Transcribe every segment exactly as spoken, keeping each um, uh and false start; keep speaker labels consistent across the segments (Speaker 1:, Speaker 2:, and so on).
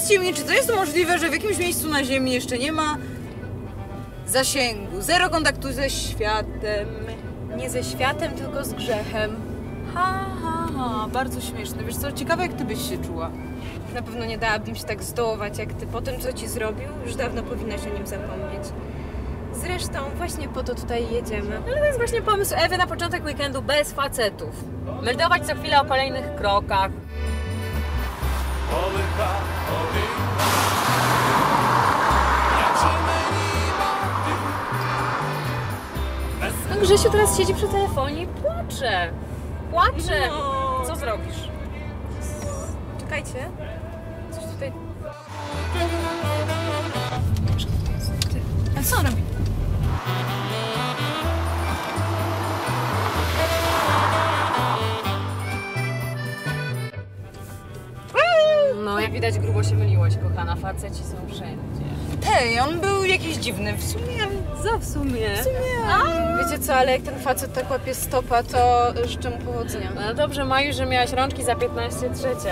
Speaker 1: Powiedzcie mi, czy to jest możliwe, że w jakimś miejscu na Ziemi jeszcze nie ma zasięgu, zero kontaktu ze światem?
Speaker 2: Nie ze światem, tylko z grzechem.
Speaker 1: Ha, ha, ha, bardzo śmieszne. Wiesz co, ciekawe jak ty byś się czuła.
Speaker 2: Na pewno nie dałabym się tak zdołować jak ty. Po tym, co ci zrobił, już dawno powinnaś o nim zapomnieć. Zresztą właśnie po to tutaj jedziemy.
Speaker 1: Ale to jest właśnie pomysł Ewy na początek weekendu bez facetów. Meldować co chwilę o kolejnych krokach.
Speaker 2: No Grzesiu teraz siedzi przy telefonie i płacze. Płacze!
Speaker 1: No.
Speaker 2: Co zrobisz? Czekajcie. Coś tutaj...
Speaker 1: A co on robi?
Speaker 2: No, jak widać grubo się myliłaś, kochana. Faceci są wszędzie.
Speaker 1: Tej, on był jakiś dziwny. W sumie,
Speaker 2: Co w sumie?
Speaker 1: w sumie...
Speaker 2: A, wiecie co, ale jak ten facet tak łapie stopa, to życzę mu powodzenia.
Speaker 1: No dobrze, Maju, że miałaś rączki za piętnaście trzecia.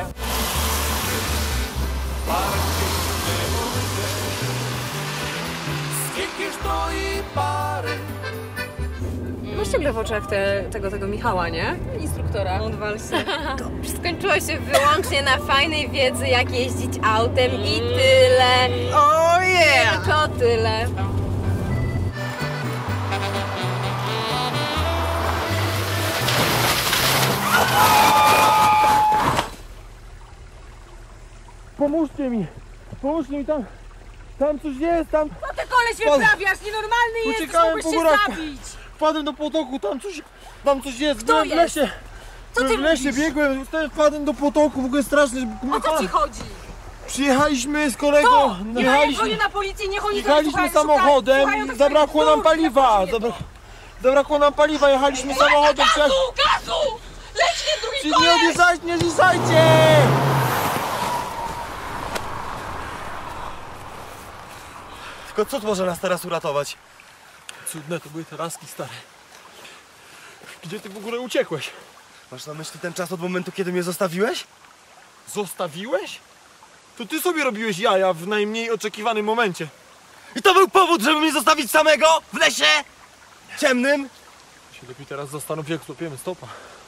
Speaker 2: Masz ciągle w oczach te, tego, tego Michała, nie? Instruktora. Odwal się. Skończyło się wyłącznie na fajnej wiedzy, jak jeździć autem i tyle.
Speaker 1: Oh yeah!
Speaker 2: To tyle.
Speaker 3: Pomóżcie mi! Pomóżcie mi tam! Tam coś jest, tam...
Speaker 1: Co ty koleś wyprawiasz? Nienormalny jesteś,
Speaker 3: Uciekałem
Speaker 1: mógłbyś
Speaker 3: po
Speaker 1: się
Speaker 3: górach.
Speaker 1: zabić!
Speaker 3: Wpadłem do potoku, tam coś... Tam coś jest,
Speaker 1: Kto
Speaker 3: byłem w
Speaker 1: jest?
Speaker 3: lesie!
Speaker 1: Co ty
Speaker 3: byłem w lesie,
Speaker 1: mówisz?
Speaker 3: biegłem, wtedy wpadłem do potoku, w ogóle strasznie...
Speaker 1: O co ci chodzi?
Speaker 3: Przyjechaliśmy z kolegą,
Speaker 1: To! Nie
Speaker 3: jechaliśmy,
Speaker 1: dzwonię na policję, niech oni
Speaker 3: jechaliśmy samochodem i zabrakło nam paliwa! Zabra... Zabrakło nam paliwa, jechaliśmy samochodem...
Speaker 1: Gazu! Gazu! Leć nie drugi
Speaker 3: Czy nie
Speaker 1: koleś!
Speaker 3: odjeżdżajcie, nie zjeżdżajcie! Tylko co może nas teraz uratować? Cudne to były te laski, stare. Gdzie ty w ogóle uciekłeś?
Speaker 4: Masz na myśli ten czas od momentu, kiedy mnie zostawiłeś?
Speaker 3: Zostawiłeś? To ty sobie robiłeś jaja w najmniej oczekiwanym momencie.
Speaker 4: I to był powód, żeby mnie zostawić samego w lesie ciemnym?
Speaker 3: Się lepiej teraz zastanów, jak złapiemy stopa.